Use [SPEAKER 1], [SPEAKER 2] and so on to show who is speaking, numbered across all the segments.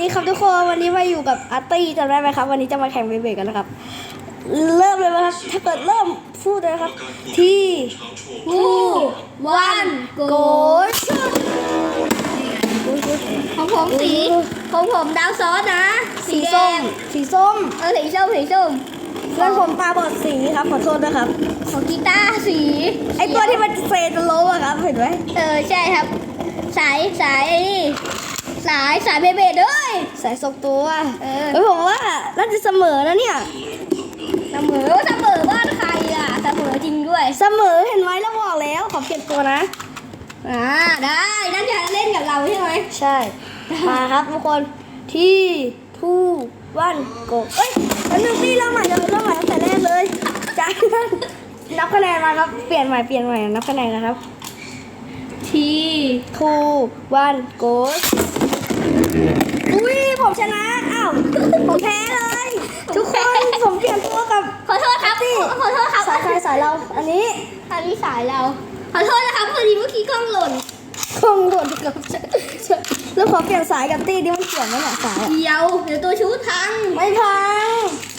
[SPEAKER 1] ดีครับทุกคนวันนี้มาอยู่กับอาร์ตี้จำได้ไหมครับวันนี้จะมาแข่งเบย์กันนะครับเริ่มเลยไหมครับถ้าเกิดเริ่มพูดเลยครับที่วันโกชุด
[SPEAKER 2] ของผมสีของผมดาวซอสนะสีแด
[SPEAKER 1] ส้ม
[SPEAKER 2] ง
[SPEAKER 1] สีส้ม
[SPEAKER 2] สีส้มสีส้ม
[SPEAKER 1] เพื่อนผมตาบอดสีครับขอโทษนะครับ
[SPEAKER 2] ของกีตาร์สี
[SPEAKER 1] ไอตัวที่มันเซจะล้มอะครับเห็นไหม
[SPEAKER 2] ใช่ครับสายเบเบดด้วย
[SPEAKER 1] สายทรงตัวเฮ้ยผมว่าน่าจะเสมอนะเนี่ย
[SPEAKER 2] เสมอบ้านใครอ่ะเสมอจริงด้วย
[SPEAKER 1] เสมอเห็นไหมแล้วบอกแล้วขอเปลี่ยนตัวนะ
[SPEAKER 2] ได้นั่นจะเล่นกับเราใช่ไหม
[SPEAKER 1] ใช่ มาครับทุกคนที่ทูวันโกเอ้ยอันนึงพี่เริ่มใหม่ตั้งแต่แรกเลยจ้านับคะแนนมาครับเปลี่ยนใหม่นับคะแนนนะครับ
[SPEAKER 2] ที่
[SPEAKER 1] ทูวันโกอุ้ยผมชนะอ้าวผมแพ้เลยทุกคนผมเปลี่ยนตัวกับ
[SPEAKER 2] ขอโทษครับขอโทษครับ
[SPEAKER 1] สายใครสายเราอันนี้
[SPEAKER 2] อันนี้สายเราขอโทษนะครับพอดีเมื่อกี้กล้องหล่น
[SPEAKER 1] คงหล่นกับแล้วขอเปลี่ยนสายกับตี้ดิมันเกี่ยวไหมเนี่ยสาย
[SPEAKER 2] เดี๋ยวตัวชูทัง
[SPEAKER 1] ไม่พัง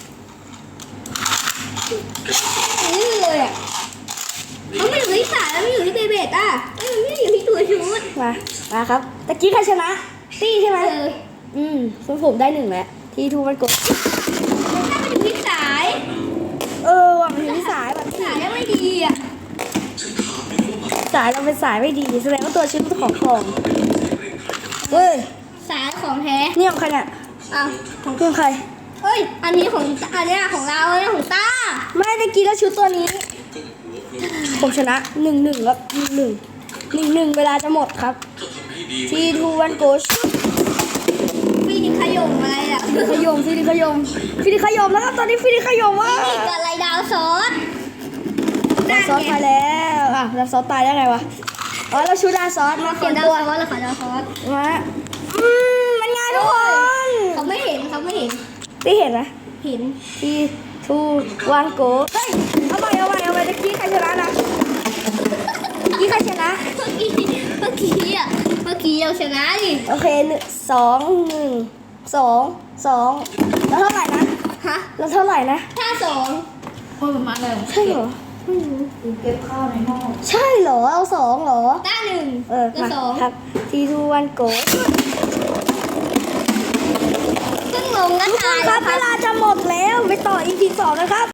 [SPEAKER 2] นี่เลยอ่ะมันไม่อยู่ที่สายแล้วไม่อยู่ที่เบเบดอ่ะมันไม่อยู่ที่ตัวชูด
[SPEAKER 1] มาครับตะกี้ใครชนะตี้ใช่ไหมซึ่งผมได้1แล้วที่ทูมันกด
[SPEAKER 2] ถ้ามันอยู่ที่สาย
[SPEAKER 1] ว่ะมันอยู่ที่สายแบบ
[SPEAKER 2] สายแล้วไม่ดีอ่ะ
[SPEAKER 1] สายเราเป็นสายไม่ดีแสดงว่าตัวชิ้นของของเฮ้ย
[SPEAKER 2] สายของแท้
[SPEAKER 1] นี่ของใครเนี่ย
[SPEAKER 2] อ้าว
[SPEAKER 1] ของใคร
[SPEAKER 2] เฮ้ยอันนี้ของของเราอันนี้ของต้า
[SPEAKER 1] ไม่ตะกี้แล้วชุดตัวนี้ ผมชนะ1-1ครับ1-1เวลาจะหมดครับทีทูวันโกช
[SPEAKER 2] ฟีนิขยมอะไรอ่ะ
[SPEAKER 1] ฟิลิขยมแล้วครับตอนนี้ฟิลิขยมว่า
[SPEAKER 2] ฟีนิกับอะไรดาวซอส
[SPEAKER 1] ดาซอสตายแล้วดาซอสตายได้ไงวะเราชูดาซอสมา
[SPEAKER 2] ข
[SPEAKER 1] เปลี่
[SPEAKER 2] อย
[SPEAKER 1] น
[SPEAKER 2] ดาว
[SPEAKER 1] ตัว
[SPEAKER 2] ซอสแล้วขอดาวซอส
[SPEAKER 1] มามันง่ายทุกคน
[SPEAKER 2] เขาไม่เห็น
[SPEAKER 1] ได้เห็นไหม
[SPEAKER 2] เห็น
[SPEAKER 1] ทีทูวันโกเฮ้ยเอาใหม่ตะกี้ใครชนะนะตะกี้ใครชนะ
[SPEAKER 2] เมื่อกี้เราชนะดิ
[SPEAKER 1] โอเค2-1-2แล้วเท่าไหร่นะ
[SPEAKER 2] ฮะ
[SPEAKER 1] แล้วเท่าไหร่นะ
[SPEAKER 2] ถ้าสอง
[SPEAKER 3] ประมาณเลย
[SPEAKER 1] ใช่เหรอ
[SPEAKER 3] เก็บข้าวในหม้อ
[SPEAKER 1] ใช่เหรอเอา2เหรอ
[SPEAKER 2] ต้าหนึ่ง
[SPEAKER 1] มา
[SPEAKER 2] สอง
[SPEAKER 1] ครับทีทูวันโก
[SPEAKER 2] ซึ่งลงก็ตาย
[SPEAKER 1] ครับเวลาจะหมดแล้วไปต่อ EP 2 นะครับ